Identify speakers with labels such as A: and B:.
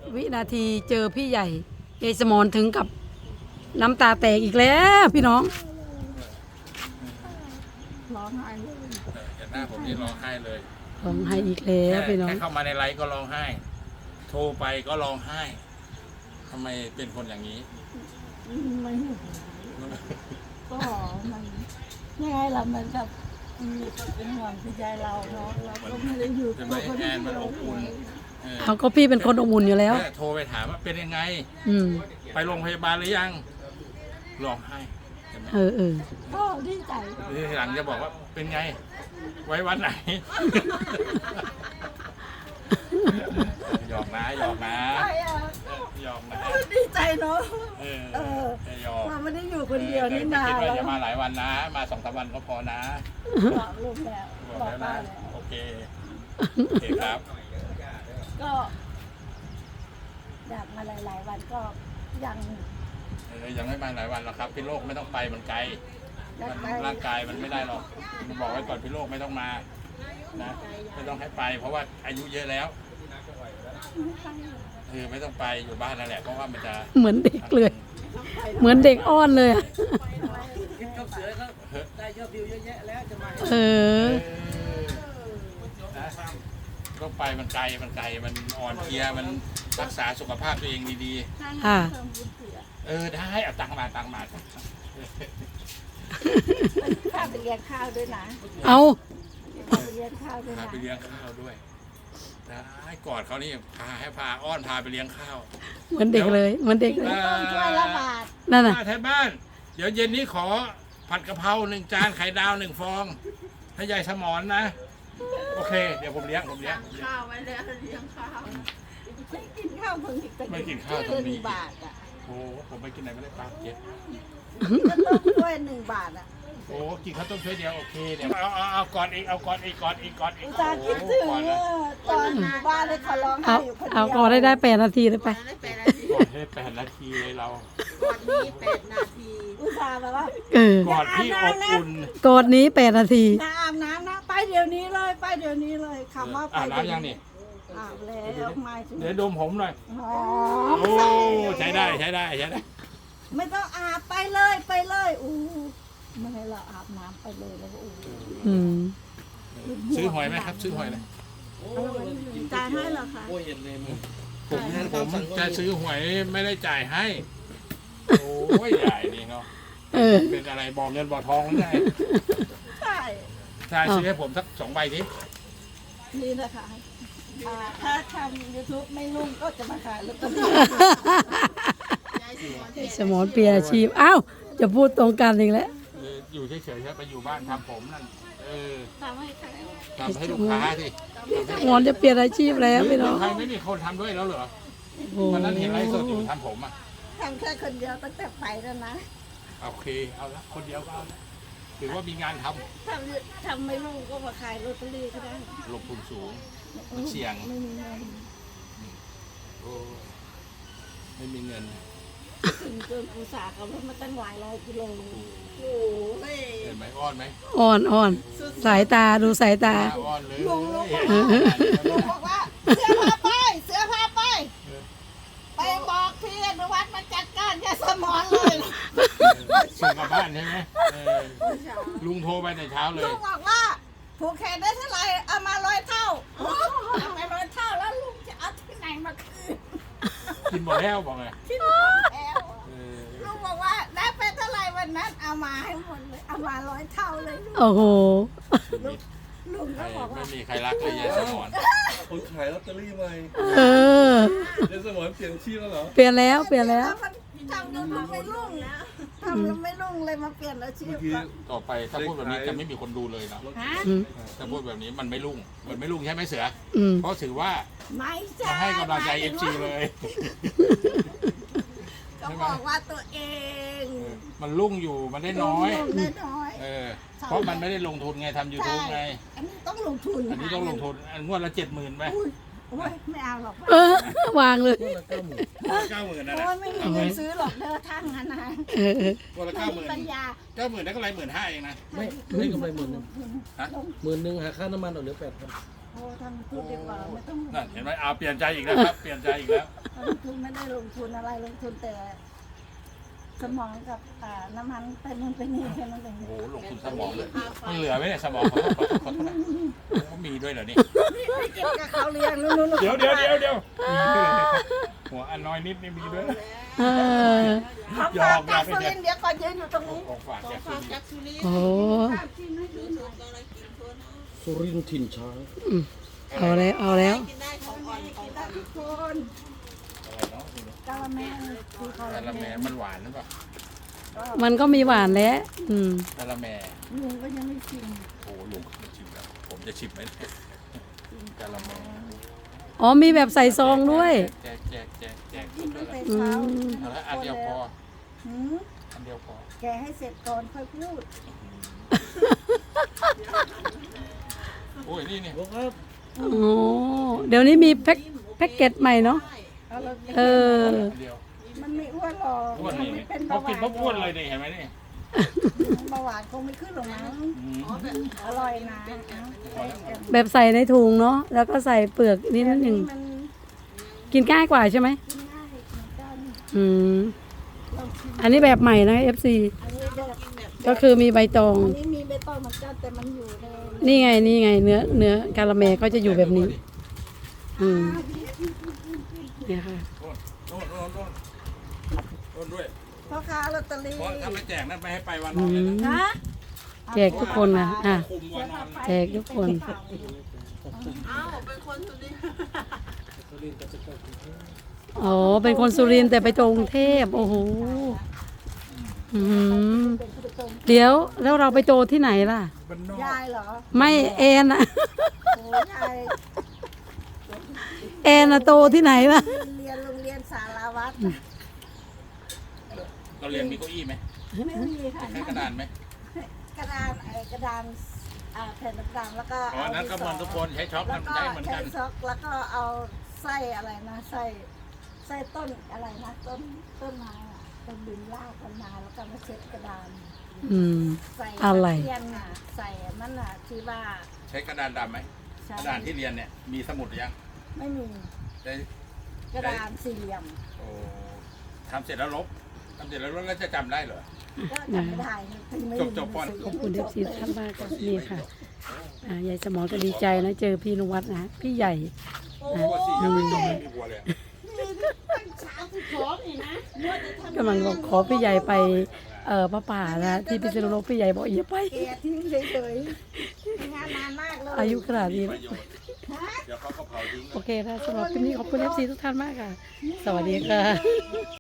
A: วินาทีเจอพี่ใหญ่ยายสมรถึงกับน้ำตาแตกอีกแล้วพี่น้อง
B: ร้องไห้เลย
C: เห็นหน้าผมนี่ร้องไห้เลย
A: ร้องไห้อีกแล้วพี่น้อง
C: แค่เข้ามาในไลฟ์ก็ร้องไห้ โทรไปก็ร้องไห้ทำไมเป็นคนอย่างนี้
B: ไม่ก็มันยังไงล่ะมันกับเป็นห่วงใจเราเนาะเราก็ไม่ได้อยู่
C: ใช่ไหมแอนมันอบอุ่นเออ
A: เอาก็พี่เป็นคนอบอุ่นอยู่แล้ว
C: แค่โทรไปถามว่าเป็นยังไง
A: อืม
C: ไปโรงพยาบาลหรือยังร้องไห้เห็นไหม
A: เออ
B: ก็ดีใจ
C: ทีหลังจะบอกว่าเป็นไง ไว้วันไหน หยอกนะหยอกนะ
B: ใช่อะ
C: หยอกนะ
B: ดีใจเนาะ
C: เอ
B: เออ
C: หยอก
B: เราไม่ได้อยู่คนเดียวนี่นา
C: คิดว่า
B: แล้ว
C: จะมาหลายวันนะ มา2-3 วันก็พอนะ
B: บอกลูกแล้ว
C: บอก
B: บอก
C: แล้ว
B: ป้า
C: นะ
B: แล้ว
C: โอเคโอเคครับ
B: ก็อยากมาหลายๆวันก็ยัง
C: ยังไม่มาหลายวันหรอกครับพี่โลกไม่ต้องไปมันไกล
B: อยาก
C: มัน
B: ไป
C: ร่างกายมันไม่ได้หรอกบอกไว้ก่อนพี่โลกไม่ต้องมานะไม่ต้องให้ไป เพราะว่าอายุเยอะแล้วไม่ต้องไปอยู่บ้านนั่นแหละเพราะว่ามันจะ
A: เหมือนเด็กเลย เหมือนเด็กอ้อนเลยอะ
D: กับเสือเขาได้ยอดวิวเยอะแยะแล้วจะมา
A: เออ
C: นะต้องไปมันไกลมันอ่อนเพลียมันรักษาสุขภาพตัวเองดี
A: ค่ะ
C: ๆได้เอาตังค์มา
B: พาไปเลี้ยงข้าวด้วยนะ
A: เอา
B: พาไปเลี้ยงข้าวด้วย
C: พา
B: นะ
C: ไปเลี้ยงข้าวด้วยได้กอดเขานี่พาอ้อนพาไปเลี้ยงข้าว
A: เหมือนเด็กเลยเหมือนเด็กเลย
B: ต้มถ้วยละบาท
A: นั่นน่ะ
C: แทนบ้าน เดี๋ยวเย็นนี้ขอผัดกะเพรา1 จานไข่ดาว1 ฟองให้ยายสมอนนะ โอเค เดี๋ยวผมเลี้ยง
B: ข้าวไว้แล้วเลี้ยงข้าวไม่กินข้าวเพิ่งอีกแต่
C: ไม่กินข้าวตรงนี้
B: 1 บาทอ่ะ
C: โอ้ผมไปกินไหนไม่ได้ปลาเก็บ
B: ก็ต้มถ้วย1 บาทอ่ะ
C: โอ้กินข้าวต้มถ้วยเดียวโอเคเดี๋ยวเอาก่อนอีก
B: อุตส่าห์คิดถึงตอนอยู่บ้านเลยขอร้องไห้
A: เอา
B: อยู่คนเดียว
A: เอาก่อนได้8 นาทีเลยไป
C: ก่อนให้8 นาทีเลยเรา
D: ก่อนนี้8 นาที
B: อุตส่าห์แบบว่า
A: เออ
C: ก่อนที่อบอุ่น
A: กอดนี้8 นาที
B: น้าอาบน้ำนะไปเดี๋ยวนี้เลยไปเดี๋ยวนี้เลยคำว่าไป
C: อาบน้ำยังนี่
B: อาบแล้วไม่ถึง
C: เดี๋ยวดมผมหน่อย
B: อ๋อ
C: โอ้ใช้ได้
B: ไม่ต้องอาบไปเลยอู้ไม่ให้เราอาบน้ำไปเลยแล้วก็อู้
A: อืม
C: ซื้อหอยไหมครับซื้อหอยเลย
B: จ่ายให้เหรอคะ
D: โอ้ยเห็นเลยมึง
C: ผมจะซื้อหวยไม่ได้จ่ายให้ โอ้ยใหญ่นี่เนาะ
A: เออ
C: เป็นอะไรบอกเงินบอกทองหรือไง
B: ใช่
C: ใช่ซื้อให้ผมสัก2 ใบที
B: นี่นะคะถ้าทำ YouTube ไม่รุ่งก็จะมาขายลอตเตอรี่
A: สมอนเปลี่ยนอาชีพอ้าวจะพูดตรงกันอีกแล้ว
C: อยู่เฉยๆครับไปอยู่บ้านทำผมนั่น
B: ทำให้ใคร
C: ทำให้ลูกค้าสิ
A: สมอนจะเปลี่ยนอาชีพแล้วพี่น้อง
C: ใครไม่มีคนทำด้วยแล้วเหรอ
A: โอ้
C: วันนั้นเห็นไลฟ์สดอยู่ทำผมอ่ะ
B: ทำแค่คนเดียวตั้งแต่ไปแล้วนะ
C: โอเคเอาละคนเดียวก็เอาละถือว่ามีงานท
B: ทำไม่รุ่งก็มาขายลอตเตอรี่ก็ได้
C: ำลงทุนสูง มันเสี่ยง
B: ไม่มีเงิน
C: โอ้ไม่มีเงิน
B: ถึงจนอุตส่าห์ขับรถมาตั้งหลายร้อยกิโลโอ้ย
C: เห็นไหมอ้อนไหม
A: อ่อนสายตาดูสายตา
C: อ้อนเลย
B: ลุงบอกว่าเสือพาไปไปบอกพี่อนุวัฒน์มาจัดการยาสมอนเลย
C: ส่งกลับบ้านใช่ไหมลุงโทรไปแต่เช้าเลย
B: ลุงบอกว่าผูกแขนได้เท่าไหร่เอามา100 เท่าเอามา100 เท่าแล้วลุงจะเอาที่ไหนมาคืน
C: กินหมดแล้วบอกไง
B: ที่หมดแล้วลุงบอกว่าได้ไปเท่าไหร่วันนั้นเอามาให้หมดเลยเอามา100 เท่าเลย
A: โอ้โห
B: ลุงก็บอก
C: ไม่
B: ว่า
C: มีใครรักเลยยายสมอน
E: คนขายลอตเตอรี่ใหม่
A: เออ
E: เดี๋ยวสมอนเปลี่ยนชื่อแล้วเหรอ
A: เปลี่ยนแล้วเปลี่ยนแล้ว
B: ทำแล้วไม่รุ่งนะทำแล้วไม่รุ่งเลยมาเปลี่ยนอาชี
E: เมื่
B: พ
E: อกี้
C: ต่อไปถ้าพูดแบบนี้จะไม่มีคนดูเลยนะ
B: ฮะ
A: อืม
C: ถ้าพูดแบบนี้มันไม่รุ่งใช่ไหมเสือ
A: อืม
C: เพราะถือว่า
B: ไม่ใช่
C: มาให้กำลังใจ FC เลย
B: ก็บอกว่าตัวเอง
C: มันรุ่งอยู่มันได้น้อย
B: ลงได้น้อย
C: เพราะมันไม่ได้ลงทุนไงทำ YouTube ไง
B: อันนี้ต้องลงทุน
C: อันนี้ต้องลงทุนอันงวดละ70,000ไป
B: โอ้ยไม่เอาหรอก
A: เออวางเลย
C: 90,000นะ
B: โอ้ยไม่มีเงินซื้อหรอกเด้อทั้งนั้นนะ
A: เออ
C: งวดละ
B: ไม่มีปัญญา
C: 90,000ได้กำไร15,000เองนะ
D: ไม่ได้กำไร10,000
C: ฮะ
D: 10,000หาค่าน้ำมันออกเหลือ8,000
B: โอ้ทำทุนดีกว่าไม่ต้อง
C: นั่นเห็นไหมเอาเปลี่ยนใจอีกแล้วครับ เปลี่ยนใจอีกแล้ว
B: ทำทุนไม่ได้ลงทุนอะไรลงทุนแต่สมองกับน้ำมันไปนู่นไปนี่แค่นั้นเอง
C: โอ้โหลงทุนสมองเลยมันเหลือไหมเนี่ยสมองขอโทษนะเขามีด้วยเหรอนี่
B: เก็บกับเขาเลี้ยงนู่น
C: เดี๋ยวมีด้วยเหรอหัวอันน้อยนิดนี่มีด้วย
A: เออ
B: เขาฝากจากสุรินทร์เดี๋ยวก่อนยืนอยู่ตรงนี้
C: ของฝากจากสุรินทร์
A: โอ้
E: สุรินทร์ถิ่นช้าง
A: เอาแล้วเอาแล้ว
B: กินได้ทุกคน
C: อะไรเนาะ
B: กะละแมคือเขา
C: กะละแมมันหวานหรือเปล่า
A: มันก็มีหวานแล้ว
C: กะละแม
B: ลุงก็ยังไม่ชิม
C: โอ้ลุงจะชิมแล้วผมจะชิมไหมกะละแม
A: อ๋อมีแบบใส่ซองด้วย
C: แจก
B: กินตั้งแต่
A: อื
B: เช้าม
C: เอาละอันเดียวพอ
B: หืม
C: อันเดียวพอ
B: แกให้เสร็จก่อนค่อยพูด
C: โอ้ยนี่
E: โอ้ครับ
A: โอ้เดี๋ยวนี้มีแพ็กเกจใหม่เนาะ
B: เอาเลย
A: เออ
C: อันเดียว
B: มันไม่อ้วนหรอก
C: อ้วน
B: มัน
C: นี่
B: ไม่เป็น
C: เขา
B: เบาห
C: กิน
B: วาน
C: ปุ๊บอ้วนเลยนี่เห็นไหมนี่
B: เบาหวานคงไม่ขึ้นหรอกมั้งอร่อยนะใส่กัน
A: แบบใส่ในถุงเนาะแล้วก็ใส่เปลือกนิดนึง
B: มัน
A: กินง่ายกว่าใช่ไหม
B: กินง่ายเหมือนกัน
A: อืม
B: ลองชิม
A: อันนี้แบบใหม่นะ FC
B: อันนี้แบบ
A: ก็คือมีใบตอง
B: อันนี้มีใบตองเหมือนกันแต่มันอยู่ใน
A: นี่ไงเนื้อกาละแมก็จะอยู่แบบนี้ อืมเนี่ยค่ะ
C: โน่นด้วย
B: พ่อค้าลอตเตอรี่
C: เพราะถ้าไม่แจกนั่นไม่ให้ไปวันนอนเลยนะ
B: นะ
A: แจกทุกคนนะอ่ะ
C: คุมวันนอน
A: แจกทุกคน อ๋อ เป็นคนสุรินทร์แต่ไปกรุงเทพโอ้โหอืมเดี๋ยวแล้วเราไปโตที่ไหนล่ะ
C: บ้านนอก
B: ยายเหรอ
A: ไม่แอนอะ
B: โอ้ยาย
A: แอนอะโตที่ไหนล่ะ
B: เรียนโรงเรียนสารวัตร
C: เราเรียนมีเก้าอี้ไหม
B: ไม่มีค่ะ
C: ใช้กระดานไหม
B: กระดานกระดานแผ่นต่างๆแล้วก็
C: อ๋อนั้นก็เหมือนทุกคนใช้ช็อป
B: แล้ว
C: มัน
B: ก็
C: ใช้เหมือน
B: ใช้
C: กัน
B: ซอกแล้วก็เอาไส้อะไรนะไส้ต้นอะไรนะต้นไม้อะต้นดินรากกันมาแล้วก็มาเช็ดกระดาน
A: อืม
B: ใส่
A: อะไร
B: เทียนน่ะใส่นั่นน่ะที่ว่า
C: ใช้กระดานดำไหม
B: ใช้
C: กระดานที่เรียนเนี่ยมีสมุดหรือยัง
B: ไม่มี
C: ได้
B: กระดานสี่เหลี่ยม
C: โอ้ทำเสร็จแล้วลบแล้วจะจำได้เหรอ
B: ก็จำไม่ได้ถึงไม่มี
C: จบๆก่อน
A: ขอบคุณ FC ท่านมากค่ะนี่ค่ะยายสมรก็ดีใจนะเจอพี่นวัดนะพี่ใหญ่
C: มีวัวสี่ยังไม่จบเลยมีวัวเลย
A: กำลังบอกขอพี่ใหญ่ไปพระป่านะที่พิษณุโลกพี่ใหญ่บอกอย่าไป
B: แกทิ้งเฉยๆงานนานมากเลย
A: อายุขนาดนี้
C: ประโยชน์เดี๋ยวเขาก็เผาทิ้ง
A: โอเคนะสำหรับคลิปนี้ขอบคุณ FC ทุกท่านมากค่ะ สวัสดีค่ะ